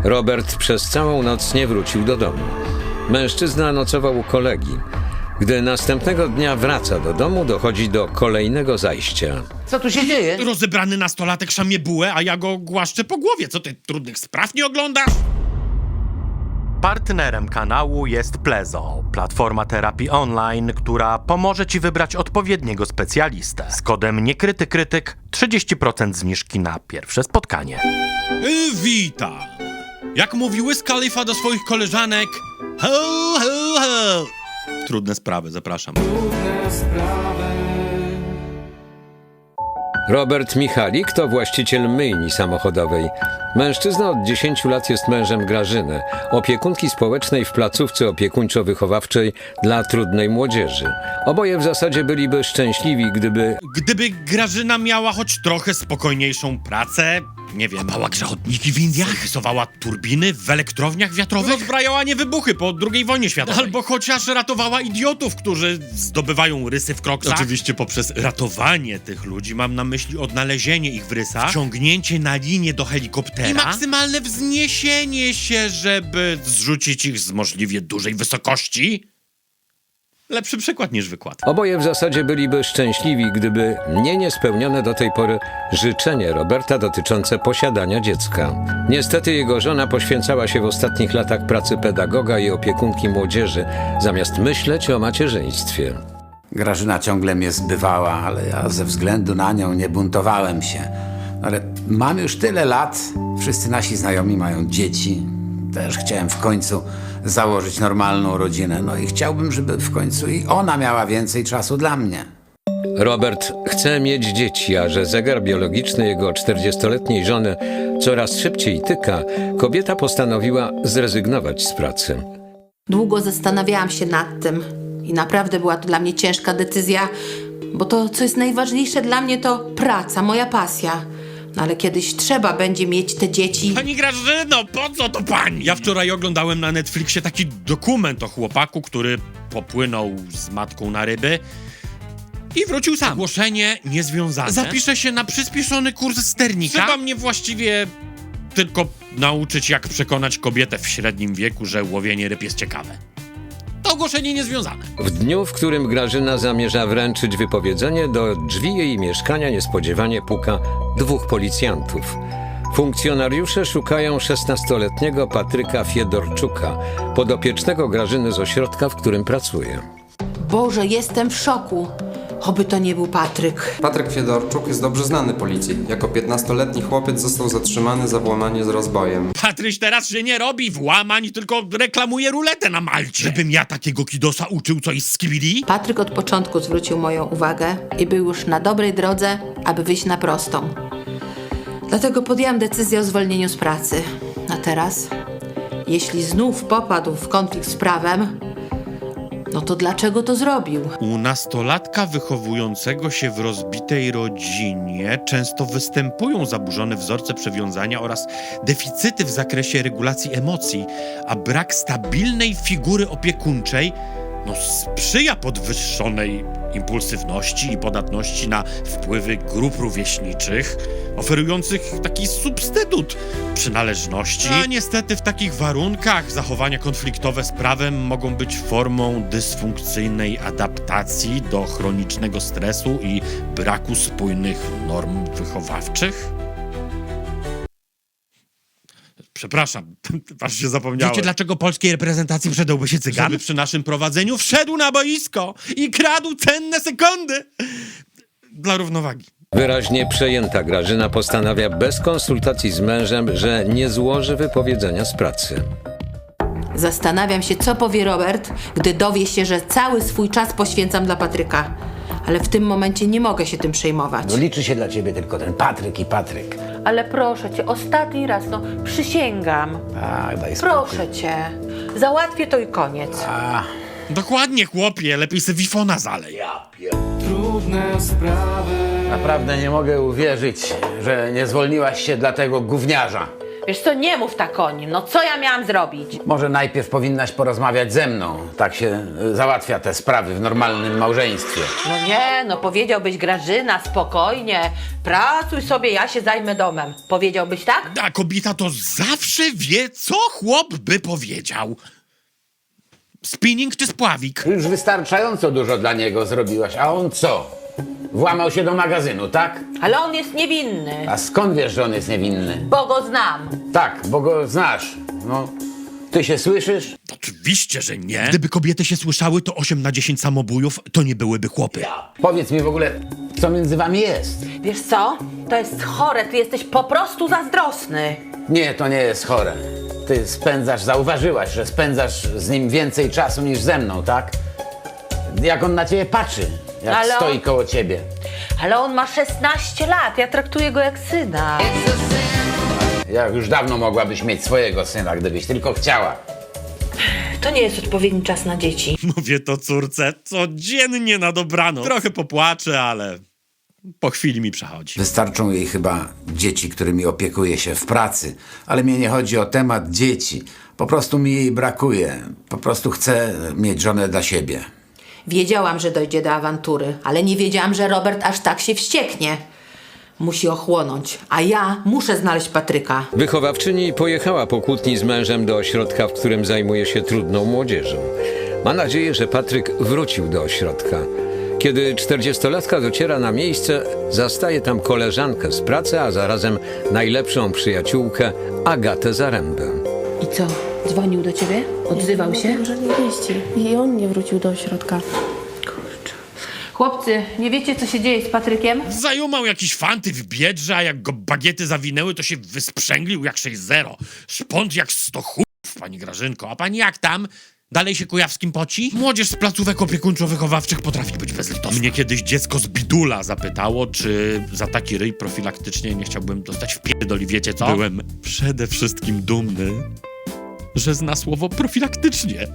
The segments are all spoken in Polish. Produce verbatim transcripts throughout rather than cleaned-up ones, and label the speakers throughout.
Speaker 1: Robert przez całą noc nie wrócił do domu. Mężczyzna nocował u kolegi. Gdy następnego dnia wraca do domu, dochodzi do kolejnego zajścia.
Speaker 2: Co tu się dzieje?
Speaker 3: Rozebrany nastolatek szamie bułę, a ja go głaszczę po głowie. Co ty, trudnych spraw nie oglądasz?
Speaker 4: Partnerem kanału jest Plezo, platforma terapii online, która pomoże Ci wybrać odpowiedniego specjalistę. Z kodem niekrytykrytyk trzydzieści procent zniżki na pierwsze spotkanie.
Speaker 3: Yy, witam. Jak mówił Wiz Khalifa do swoich koleżanek, ho, ho, ho. Trudne sprawy, zapraszam.
Speaker 1: Robert Michalik to właściciel myjni samochodowej. Mężczyzna od dziesięciu lat jest mężem Grażyny, opiekunki społecznej w placówce opiekuńczo-wychowawczej dla trudnej młodzieży. Oboje w zasadzie byliby szczęśliwi, gdyby...
Speaker 3: Gdyby Grażyna miała choć trochę spokojniejszą pracę, nie wiem, kopała grzechotniki w Indiach, rysowała turbiny w elektrowniach wiatrowych, rozbrajała niewybuchy po drugiej wojnie światowej, albo chociaż ratowała idiotów, którzy zdobywają rysy w kroksach. Oczywiście poprzez ratowanie tych ludzi mam na myśli odnalezienie ich w rysach, wciągnięcie na linię do helikoptera i maksymalne wzniesienie się, żeby zrzucić ich z możliwie dużej wysokości. Lepszy przykład niż wykład.
Speaker 1: Oboje w zasadzie byliby szczęśliwi, gdyby nie niespełnione do tej pory życzenie Roberta dotyczące posiadania dziecka. Niestety jego żona poświęcała się w ostatnich latach pracy pedagoga i opiekunki młodzieży, zamiast myśleć o macierzyństwie.
Speaker 2: Grażyna ciągle mnie zbywała, ale ja ze względu na nią nie buntowałem się. Ale mam już tyle lat, wszyscy nasi znajomi mają dzieci. Też chciałem w końcu założyć normalną rodzinę. No i chciałbym, żeby w końcu i ona miała więcej czasu dla mnie.
Speaker 1: Robert chce mieć dzieci, a że zegar biologiczny jego czterdziestoletniej żony coraz szybciej tyka, kobieta postanowiła zrezygnować z pracy.
Speaker 5: Długo zastanawiałam się nad tym i naprawdę była to dla mnie ciężka decyzja, bo to, co jest najważniejsze dla mnie, to praca, moja pasja. No ale kiedyś trzeba będzie mieć te dzieci.
Speaker 3: Pani Grażyno, po co to pani? Ja wczoraj oglądałem na Netflixie taki dokument o chłopaku, który popłynął z matką na ryby i wrócił sam. Ogłoszenie niezwiązane. Zapiszę się na przyspieszony kurs sternika. Trzeba mnie właściwie tylko nauczyć, jak przekonać kobietę w średnim wieku, że łowienie ryb jest ciekawe. To ogłoszenie niezwiązane.
Speaker 1: W dniu, w którym Grażyna zamierza wręczyć wypowiedzenie, do drzwi jej mieszkania niespodziewanie puka dwóch policjantów. Funkcjonariusze szukają szesnastoletniego Patryka Fiedorczuka, podopiecznego Grażyny z ośrodka, w którym pracuje.
Speaker 5: Boże, jestem w szoku. Oby to nie był Patryk.
Speaker 6: Patryk Fiedorczuk jest dobrze znany policji. Jako piętnastoletni chłopiec został zatrzymany za włamanie z rozbojem.
Speaker 3: Patryś teraz się nie robi włamań, tylko reklamuje ruletę na Malcie. Żebym ja takiego kidosa uczył coś z skibidi?
Speaker 5: Patryk od początku zwrócił moją uwagę i był już na dobrej drodze, aby wyjść na prostą. Dlatego podjęłam decyzję o zwolnieniu z pracy. A teraz, jeśli znów popadł w konflikt z prawem, no to dlaczego to zrobił?
Speaker 3: U nastolatka wychowującego się w rozbitej rodzinie często występują zaburzone wzorce przywiązania oraz deficyty w zakresie regulacji emocji, a brak stabilnej figury opiekuńczej no, sprzyja podwyższonej impulsywności i podatności na wpływy grup rówieśniczych, oferujących taki substytut przynależności. A niestety w takich warunkach zachowania konfliktowe z prawem mogą być formą dysfunkcyjnej adaptacji do chronicznego stresu i braku spójnych norm wychowawczych. Przepraszam, aż się zapomniałem. Wiecie, dlaczego polskiej reprezentacji przydałby się cygan? Żeby przy naszym prowadzeniu wszedł na boisko i kradł cenne sekundy dla równowagi.
Speaker 1: Wyraźnie przejęta Grażyna postanawia bez konsultacji z mężem, że nie złoży wypowiedzenia z pracy.
Speaker 5: Zastanawiam się, co powie Robert, gdy dowie się, że cały swój czas poświęcam dla Patryka. Ale w tym momencie nie mogę się tym przejmować.
Speaker 2: No liczy się dla ciebie tylko ten Patryk i Patryk.
Speaker 5: Ale proszę cię, ostatni raz, no przysięgam.
Speaker 2: Tak, daj spokój.
Speaker 5: Proszę cię, załatwię to i koniec.
Speaker 2: A,
Speaker 3: Dokładnie, chłopie, lepiej se wifona zalej.
Speaker 7: Trudne sprawy.
Speaker 2: naprawdę nie mogę uwierzyć, że nie zwolniłaś się dla tego gówniarza.
Speaker 5: Wiesz co, nie mów tak o nim. No co ja miałam zrobić?
Speaker 2: Może najpierw powinnaś porozmawiać ze mną. Tak się y, załatwia te sprawy w normalnym małżeństwie.
Speaker 5: No nie, no powiedziałbyś Grażyna, spokojnie. Pracuj sobie, ja się zajmę domem. Powiedziałbyś tak?
Speaker 3: A kobieta to zawsze wie, co chłop by powiedział. Spinning czy spławik?
Speaker 2: Już wystarczająco dużo dla niego zrobiłaś, a on co? Włamał się do magazynu, tak?
Speaker 5: Ale on jest niewinny.
Speaker 2: A skąd wiesz, że on jest niewinny?
Speaker 5: Bo go znam.
Speaker 2: Tak, bo go znasz. No, ty się słyszysz?
Speaker 3: Oczywiście, że nie. Gdyby kobiety się słyszały, to osiem na dziesięć samobójów to nie byłyby chłopy.
Speaker 2: Powiedz mi w ogóle, co między wami jest?
Speaker 5: Wiesz co? To jest chore, ty jesteś po prostu zazdrosny.
Speaker 2: Nie, to nie jest chore. Ty spędzasz, zauważyłaś, że spędzasz z nim więcej czasu niż ze mną, tak? Jak on na ciebie patrzy, jak
Speaker 5: Ale on-
Speaker 2: stoi koło ciebie.
Speaker 5: Ale on ma szesnaście lat, ja traktuję go jak syna.
Speaker 2: Jak już dawno mogłabyś mieć swojego syna, gdybyś tylko chciała.
Speaker 5: To nie jest odpowiedni czas na dzieci.
Speaker 3: Mówię to córce codziennie na dobranoc. Trochę popłaczę, ale po chwili mi przechodzi.
Speaker 2: Wystarczą jej chyba dzieci, którymi opiekuje się w pracy. Ale mnie nie chodzi o temat dzieci. Po prostu mi jej brakuje. Po prostu chcę mieć żonę dla siebie.
Speaker 5: Wiedziałam, że dojdzie do awantury, ale nie wiedziałam, że Robert aż tak się wścieknie. Musi ochłonąć, a ja muszę znaleźć Patryka.
Speaker 1: Wychowawczyni pojechała po kłótni z mężem do ośrodka, w którym zajmuje się trudną młodzieżą. Ma nadzieję, że Patryk wrócił do ośrodka. Kiedy czterdziestolatka dociera na miejsce, zastaje tam koleżankę z pracy, a zarazem najlepszą przyjaciółkę Agatę Zarębę.
Speaker 5: I co? Dzwonił do ciebie? Odzywał się?
Speaker 8: Żadnej wieści. I on nie wrócił do ośrodka.
Speaker 5: Chłopcy, nie wiecie, co się dzieje z Patrykiem?
Speaker 3: Zajumał jakiś fanty w biedrze, a jak go bagiety zawinęły, to się wysprzęglił jak sześć zero. Szpont jak sto chłopów, pani Grażynko. A pani jak tam? Dalej się Kujawskim poci? Młodzież z placówek opiekuńczo-wychowawczych potrafi być bezlitosna. Mnie kiedyś dziecko z Bidula zapytało, czy za taki ryj profilaktycznie nie chciałbym dostać w pierdoli, wiecie co? Byłem przede wszystkim dumny, że zna słowo profilaktycznie.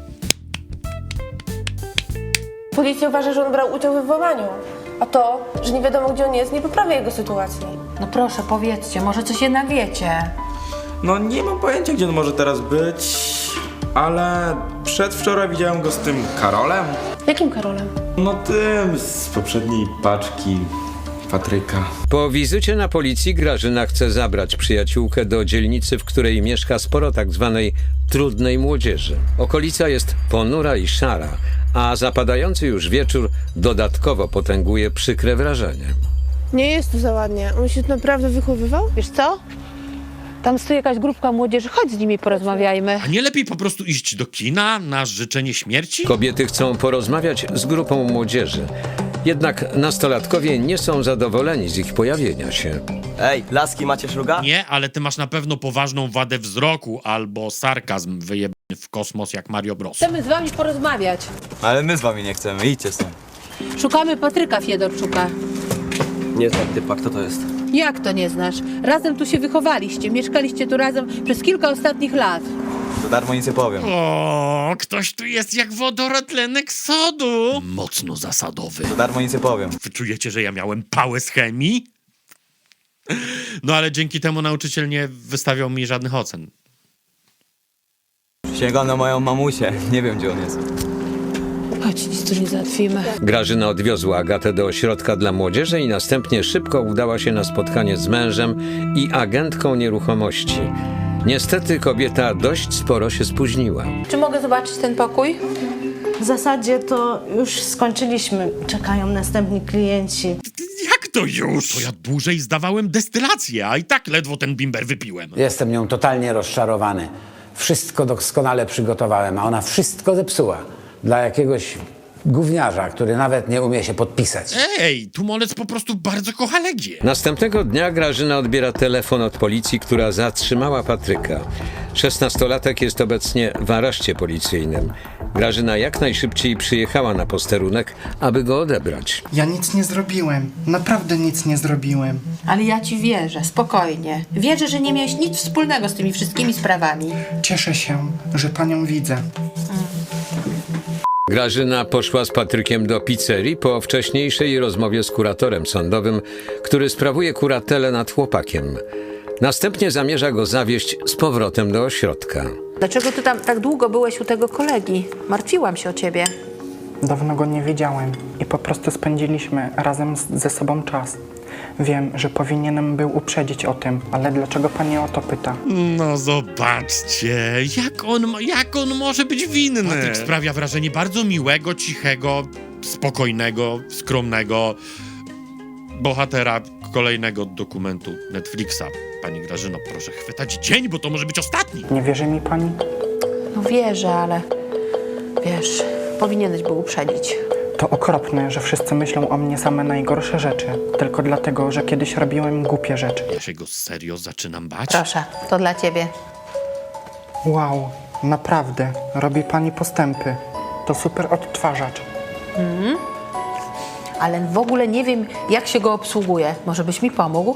Speaker 8: Policja uważa, że on brał udział w włamaniu. A to, że nie wiadomo, gdzie on jest, nie poprawia jego sytuacji.
Speaker 5: No proszę, powiedzcie, może coś jednak wiecie.
Speaker 9: No nie mam pojęcia, gdzie on może teraz być, ale przedwczoraj widziałem go z tym Karolem.
Speaker 8: Jakim Karolem?
Speaker 9: No tym z poprzedniej paczki Patryka.
Speaker 1: Po wizycie na policji Grażyna chce zabrać przyjaciółkę do dzielnicy, w której mieszka sporo tak zwanej trudnej młodzieży. Okolica jest ponura i szara, a zapadający już wieczór dodatkowo potęguje przykre wrażenie.
Speaker 8: Nie jest tu za ładnie. On się tu naprawdę wychowywał?
Speaker 5: Wiesz co? Tam stoi jakaś grupka młodzieży, chodź z nimi porozmawiajmy.
Speaker 3: A nie lepiej po prostu iść do kina na życzenie śmierci?
Speaker 1: Kobiety chcą porozmawiać z grupą młodzieży. Jednak nastolatkowie nie są zadowoleni z ich pojawienia się.
Speaker 10: Ej, laski, macie szluga?
Speaker 3: Nie, ale ty masz na pewno poważną wadę wzroku albo sarkazm wyjebany w kosmos jak Mario Bros.
Speaker 5: Chcemy z wami porozmawiać.
Speaker 10: Ale my z wami nie chcemy, idźcie stąd.
Speaker 5: Szukamy Patryka Fiedorczuka.
Speaker 10: Nie znam typa, kto to jest?
Speaker 5: Jak to nie znasz? Razem tu się wychowaliście, mieszkaliście tu razem przez kilka ostatnich lat.
Speaker 10: Za darmo nic nie powiem.
Speaker 3: O, ktoś tu jest jak wodorotlenek sodu. Mocno zasadowy.
Speaker 10: Za darmo nic nie powiem.
Speaker 3: Wy czujecie, że ja miałem pałę z chemii? No ale dzięki temu nauczyciel nie wystawiał mi żadnych ocen.
Speaker 10: Sięgam na moją mamusię, nie wiem gdzie on jest.
Speaker 8: Chodź, nic tu nie załatwimy.
Speaker 1: Grażyna odwiozła Agatę do ośrodka dla młodzieży i następnie szybko udała się na spotkanie z mężem i agentką nieruchomości. Niestety kobieta dość sporo się spóźniła.
Speaker 5: Czy mogę zobaczyć ten pokój?
Speaker 11: W zasadzie to już skończyliśmy. Czekają następni klienci.
Speaker 3: Jak to już? To ja dłużej zdawałem destylację, a i tak ledwo ten bimber wypiłem.
Speaker 2: Jestem nią totalnie rozczarowany. Wszystko doskonale przygotowałem, a ona wszystko zepsuła. Dla jakiegoś gówniarza, który nawet nie umie się podpisać.
Speaker 3: Ej, Tumolec po prostu bardzo kocha Legię.
Speaker 1: Następnego dnia Grażyna odbiera telefon od policji, która zatrzymała Patryka. Szesnastolatek jest obecnie w areszcie policyjnym. Grażyna jak najszybciej przyjechała na posterunek, aby go odebrać.
Speaker 7: Ja nic nie zrobiłem. Naprawdę nic nie zrobiłem.
Speaker 5: Ale ja ci wierzę, spokojnie. Wierzę, że nie miałeś nic wspólnego z tymi wszystkimi sprawami.
Speaker 7: Cieszę się, że panią widzę.
Speaker 1: Grażyna poszła z Patrykiem do pizzerii po wcześniejszej rozmowie z kuratorem sądowym, który sprawuje kuratelę nad chłopakiem. Następnie zamierza go zawieźć z powrotem do ośrodka.
Speaker 5: Dlaczego ty tam tak długo byłeś u tego kolegi? Martwiłam się o ciebie.
Speaker 7: Dawno go nie widziałem i po prostu spędziliśmy razem z, ze sobą czas. Wiem, że powinienem był uprzedzić o tym, ale dlaczego pani o to pyta?
Speaker 3: No zobaczcie, jak on, ma- jak on może być winny? Patryk sprawia wrażenie bardzo miłego, cichego, spokojnego, skromnego bohatera kolejnego dokumentu Netflixa. Pani Grażyno, proszę chwytać dzień, bo to może być ostatni.
Speaker 7: Nie wierzy mi pani?
Speaker 5: No wierzę, ale wiesz, powinieneś był uprzedzić.
Speaker 7: To okropne, że wszyscy myślą o mnie same najgorsze rzeczy, tylko dlatego, że kiedyś robiłem głupie rzeczy.
Speaker 3: Ja się go serio zaczynam bać.
Speaker 5: Proszę, to dla ciebie.
Speaker 7: Wow, naprawdę, robi pani postępy. To super odtwarzacz.
Speaker 5: Ale w ogóle nie wiem, jak się go obsługuje. Może byś mi pomógł?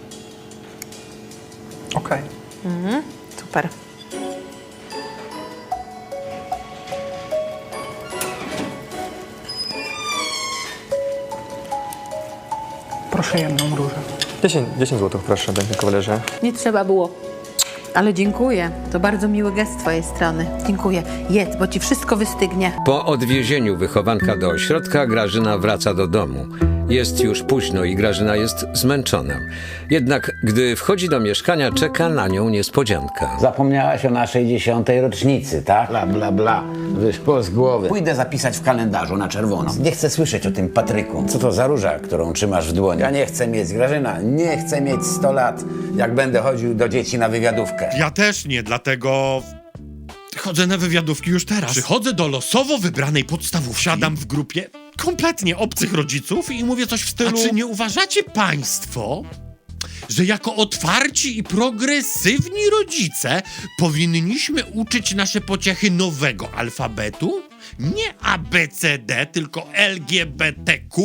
Speaker 7: Okej.
Speaker 5: Super.
Speaker 7: Proszę jedną różę.
Speaker 10: dziesięć złotych proszę, panie kawalerze.
Speaker 5: Nie trzeba było. Ale dziękuję. To bardzo miły gest z twojej strony. Dziękuję. Jedz, bo ci wszystko wystygnie.
Speaker 1: Po odwiezieniu wychowanka do ośrodka Grażyna wraca do domu. Jest już późno i Grażyna jest zmęczona. Jednak gdy wchodzi do mieszkania, czeka na nią niespodzianka.
Speaker 2: Zapomniałaś o naszej dziesiątej rocznicy, tak? Bla, bla, bla. Wyszło z głowy. Pójdę zapisać w kalendarzu na czerwono. Nie chcę słyszeć o tym Patryku. Co to za róża, którą trzymasz w dłoni? Ja nie chcę mieć, Grażyna, nie chcę mieć sto lat, jak będę chodził do dzieci na wywiadówkę.
Speaker 3: Ja też nie, dlatego chodzę na wywiadówki już teraz. Przychodzę do losowo wybranej podstawówki, siadam w grupie kompletnie obcych rodziców i mówię coś w stylu: a czy nie uważacie państwo, że jako otwarci i progresywni rodzice powinniśmy uczyć nasze pociechy nowego alfabetu? Nie A B C D, tylko L G B T Q?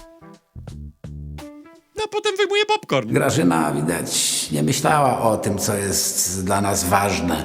Speaker 3: No a potem wyjmuję popcorn.
Speaker 2: Grażyna, widać, nie myślała o tym, co jest dla nas ważne.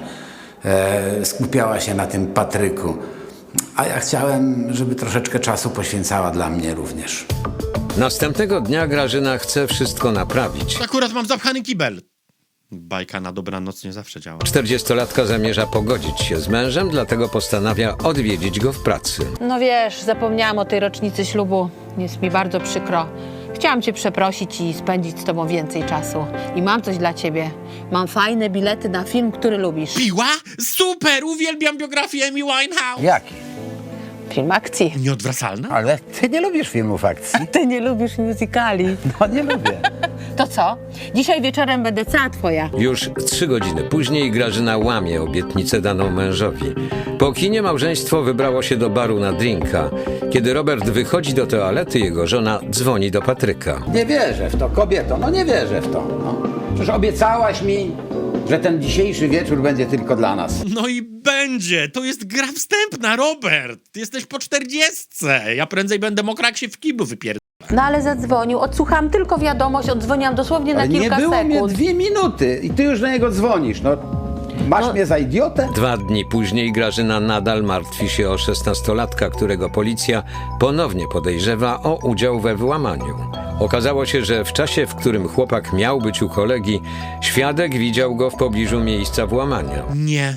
Speaker 2: E, skupiała się na tym Patryku. A ja chciałem, żeby troszeczkę czasu poświęcała dla mnie również.
Speaker 1: Następnego dnia Grażyna chce wszystko naprawić.
Speaker 3: Akurat mam zapchany kibel. Bajka na dobranoc nie zawsze działa.
Speaker 1: Czterdziestolatka zamierza pogodzić się z mężem, dlatego postanawia odwiedzić go w pracy.
Speaker 5: No wiesz, zapomniałam o tej rocznicy ślubu. Jest mi bardzo przykro. Chciałam cię przeprosić i spędzić z tobą więcej czasu. I mam coś dla ciebie. Mam fajne bilety na film, który lubisz.
Speaker 3: Piła? Super! Uwielbiam biografię Amy Winehouse.
Speaker 2: Jaki?
Speaker 5: Film akcji.
Speaker 3: Nieodwracalna?
Speaker 2: Ale ty nie lubisz filmów akcji.
Speaker 5: Ty nie lubisz musicali.
Speaker 2: No nie lubię.
Speaker 5: To co? Dzisiaj wieczorem będę cała twoja.
Speaker 1: Już trzy godziny później Grażyna łamie obietnicę daną mężowi. Po kinie małżeństwo wybrało się do baru na drinka. Kiedy Robert wychodzi do toalety, jego żona dzwoni do Patryka.
Speaker 2: Nie wierzę w to, kobieto, no nie wierzę w to. No. Przecież obiecałaś mi, że ten dzisiejszy wieczór będzie tylko dla nas.
Speaker 3: No i będzie! To jest gra wstępna, Robert! Ty jesteś po czterdziestce. Ja prędzej będę mokra, jak się w kiblu wypierd...
Speaker 5: No ale zadzwonił. Odsłuchałam tylko wiadomość, oddzwoniłam dosłownie na
Speaker 2: Ale
Speaker 5: kilka
Speaker 2: nie było
Speaker 5: sekund.
Speaker 2: mnie dwie minuty i ty już na niego dzwonisz. No, masz
Speaker 5: No.
Speaker 2: mnie za idiotę?
Speaker 1: Dwa dni później Grażyna nadal martwi się o szesnastolatka, którego policja ponownie podejrzewa o udział we włamaniu. Okazało się, że w czasie, w którym chłopak miał być u kolegi, świadek widział go w pobliżu miejsca włamania.
Speaker 3: Nie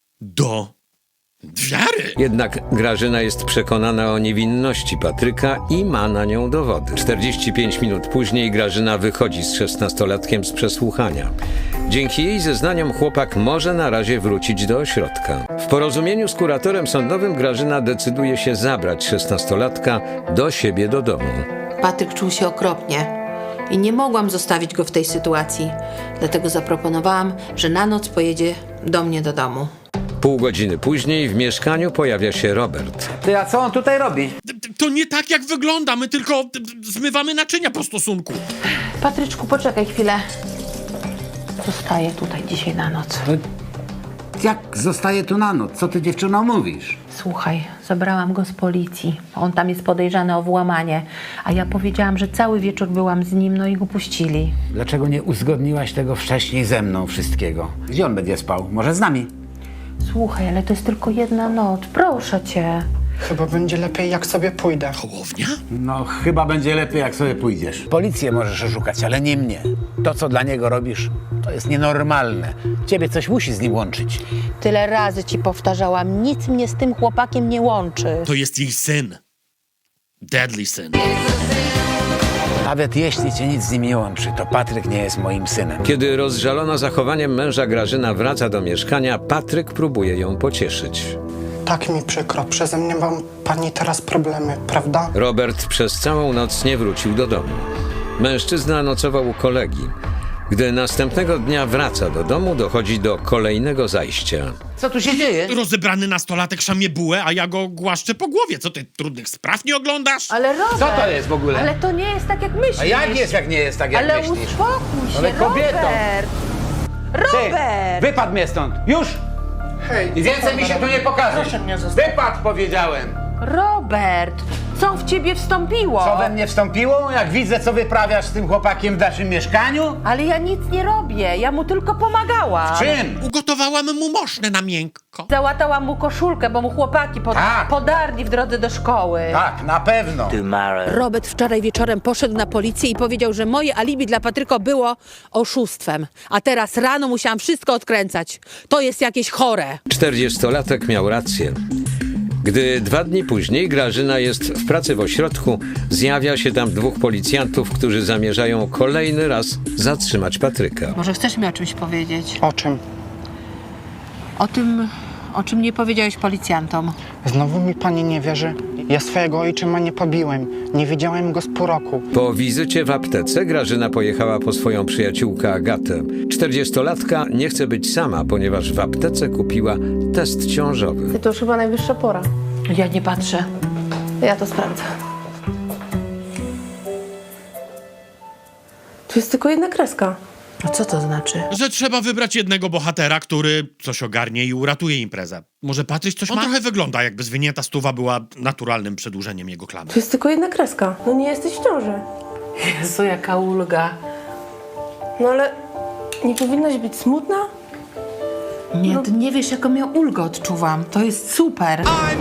Speaker 3: do wiary!
Speaker 1: Jednak Grażyna jest przekonana o niewinności Patryka i ma na nią dowody. czterdzieści pięć minut później Grażyna wychodzi z szesnastolatkiem z przesłuchania. Dzięki jej zeznaniom chłopak może na razie wrócić do ośrodka. W porozumieniu z kuratorem sądowym Grażyna decyduje się zabrać szesnastolatka do siebie do domu.
Speaker 5: Patryk czuł się okropnie i nie mogłam zostawić go w tej sytuacji. Dlatego zaproponowałam, że na noc pojedzie do mnie do domu.
Speaker 1: Pół godziny później w mieszkaniu pojawia się Robert.
Speaker 2: Ty, a co on tutaj robi?
Speaker 3: To nie tak, jak wygląda. My tylko zmywamy naczynia po stosunku.
Speaker 5: Patryczku, poczekaj chwilę. Zostaję tutaj dzisiaj na noc.
Speaker 2: Jak zostaje tu na noc? Co ty, dziewczyno, mówisz?
Speaker 5: Słuchaj, zabrałam go z policji. On tam jest podejrzany o włamanie. A ja powiedziałam, że cały wieczór byłam z nim, no i go puścili.
Speaker 2: Dlaczego nie uzgodniłaś tego wcześniej ze mną wszystkiego? Gdzie on będzie spał? Może z nami?
Speaker 5: Słuchaj, ale to jest tylko jedna noc. Proszę cię.
Speaker 7: Chyba będzie lepiej, jak sobie pójdę.
Speaker 3: Hołownia?
Speaker 2: No, chyba będzie lepiej, jak sobie pójdziesz. Policję możesz oszukać, ale nie mnie. To, co dla niego robisz, to jest nienormalne. Ciebie coś musi z nim łączyć.
Speaker 11: Tyle razy ci powtarzałam, nic mnie z tym chłopakiem nie łączy.
Speaker 3: To jest jej syn. Deadly syn.
Speaker 2: Nawet jeśli cię nic z nim nie łączy, to Patryk nie jest moim synem.
Speaker 1: Kiedy rozżalona zachowaniem męża Grażyna wraca do mieszkania, Patryk próbuje ją pocieszyć.
Speaker 7: Tak mi przykro, przeze mnie mam pani teraz problemy, prawda?
Speaker 1: Robert przez całą noc nie wrócił do domu. Mężczyzna nocował u kolegi. Gdy następnego dnia wraca do domu, dochodzi do kolejnego zajścia.
Speaker 2: Co tu się dzieje?
Speaker 3: Rozebrany nastolatek szamie bułę, a ja go głaszczę po głowie. Co ty, trudnych spraw nie oglądasz?
Speaker 11: Ale Robert,
Speaker 2: Co to jest w ogóle?
Speaker 11: ale to nie jest tak, jak myślisz.
Speaker 2: A jak jest, jak nie jest tak, jak
Speaker 11: Ale
Speaker 2: myślisz?
Speaker 11: uspokój się,
Speaker 2: Ale kobieto!
Speaker 11: Robert! Robert!
Speaker 2: Wypadł mnie stąd! Już!
Speaker 7: Hej,
Speaker 2: I więcej mi się tu nie pokaże!
Speaker 7: Proszę mnie zostawić.
Speaker 2: Wypadł, powiedziałem!
Speaker 11: Robert! Co w ciebie wstąpiło?
Speaker 2: Co we mnie wstąpiło? Jak widzę, co wyprawiasz z tym chłopakiem w naszym mieszkaniu?
Speaker 11: Ale ja nic nie robię, ja mu tylko pomagałam.
Speaker 2: Czym?
Speaker 3: Ugotowałam mu moszne na miękko.
Speaker 11: Załatałam mu koszulkę, bo mu chłopaki pod...
Speaker 2: Tak.
Speaker 11: podarli w drodze do szkoły.
Speaker 2: Tak, na pewno.
Speaker 12: Robert wczoraj wieczorem poszedł na policję i powiedział, że moje alibi dla Patryka było oszustwem. A teraz rano musiałam wszystko odkręcać. To jest jakieś chore.
Speaker 1: Czterdziestolatek miał rację. Gdy dwa dni później Grażyna jest w pracy w ośrodku, zjawia się tam dwóch policjantów, którzy zamierzają kolejny raz zatrzymać Patryka.
Speaker 5: Może chcesz mi o czymś powiedzieć?
Speaker 7: O czym?
Speaker 5: O tym, o czym nie powiedziałeś policjantom.
Speaker 7: Znowu mi pani nie wierzy? Ja swojego ojczyma nie pobiłem. Nie widziałem go z pół roku.
Speaker 1: Po wizycie w aptece Grażyna pojechała po swoją przyjaciółkę Agatę. Czterdziestolatka nie chce być sama, ponieważ w aptece kupiła test ciążowy.
Speaker 8: To już chyba najwyższa pora.
Speaker 5: Ja nie patrzę.
Speaker 8: Ja to sprawdzę. Tu jest tylko jedna kreska.
Speaker 5: A co to znaczy?
Speaker 3: Że trzeba wybrać jednego bohatera, który coś ogarnie i uratuje imprezę. Może Patryś coś ma? On trochę wygląda, jakby zwinięta stuwa była naturalnym przedłużeniem jego klamy.
Speaker 8: Tu jest tylko jedna kreska. No nie jesteś w ciąży.
Speaker 5: Jezu, jaka ulga.
Speaker 8: No ale nie powinnaś być smutna?
Speaker 5: Nie, ty nie wiesz, jaką ja ulgę odczuwam. To jest super.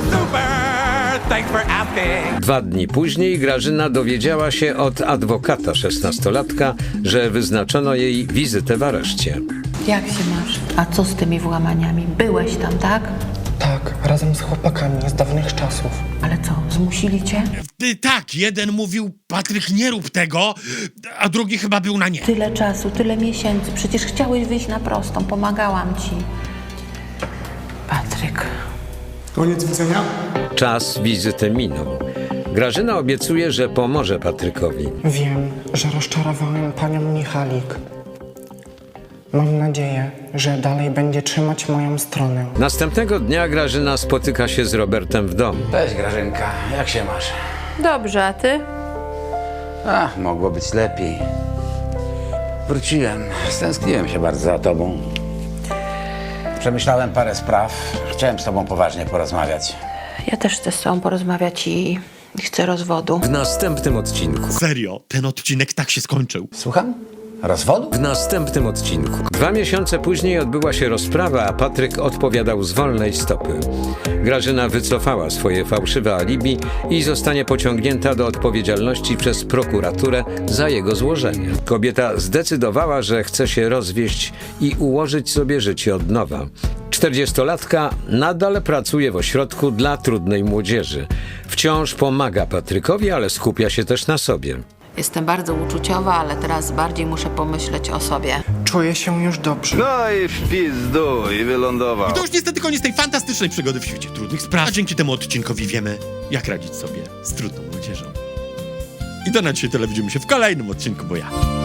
Speaker 1: Dwa dni później Grażyna dowiedziała się od adwokata szesnastolatka, że wyznaczono jej wizytę w areszcie.
Speaker 5: Jak się masz? A co z tymi włamaniami? Byłeś tam, tak?
Speaker 7: Tak, razem z chłopakami z dawnych czasów.
Speaker 5: Ale co, zmusili cię?
Speaker 3: Ty, tak, jeden mówił, Patryk, nie rób tego, a drugi chyba był na nie.
Speaker 5: Tyle czasu, tyle miesięcy. Przecież chciałeś wyjść na prostą. Pomagałam ci. Patryk.
Speaker 9: Koniec widzenia?
Speaker 1: Czas wizyty minął. Grażyna obiecuje, że pomoże Patrykowi.
Speaker 7: Wiem, że rozczarowałem panią Michalik. Mam nadzieję, że dalej będzie trzymać moją stronę.
Speaker 1: Następnego dnia Grażyna spotyka się z Robertem w domu.
Speaker 2: Cześć, Grażynka. Jak się masz?
Speaker 8: Dobrze, a ty?
Speaker 2: A, mogło być lepiej. Wróciłem. Stęskniłem się bardzo za tobą. Przemyślałem parę spraw. Chciałem z tobą poważnie porozmawiać.
Speaker 5: Ja też chcę z tobą porozmawiać i i chcę rozwodu.
Speaker 1: W następnym odcinku.
Speaker 3: Serio, ten odcinek tak się skończył.
Speaker 2: Słucham? Rozwodu?
Speaker 1: W następnym odcinku. Dwa miesiące później odbyła się rozprawa, a Patryk odpowiadał z wolnej stopy. Grażyna wycofała swoje fałszywe alibi i zostanie pociągnięta do odpowiedzialności przez prokuraturę za jego złożenie. Kobieta zdecydowała, że chce się rozwieść i ułożyć sobie życie od nowa. Czterdziestolatka nadal pracuje w ośrodku dla trudnej młodzieży. Wciąż pomaga Patrykowi, ale skupia się też na sobie.
Speaker 5: Jestem bardzo uczuciowa, ale teraz bardziej muszę pomyśleć o sobie.
Speaker 7: Czuję się już dobrze.
Speaker 13: No i w pizdu i wylądował.
Speaker 3: I to już niestety koniec tej fantastycznej przygody w świecie trudnych spraw. A dzięki temu odcinkowi wiemy, jak radzić sobie z trudną młodzieżą. I to na dzisiaj tyle. Widzimy się w kolejnym odcinku, bo ja...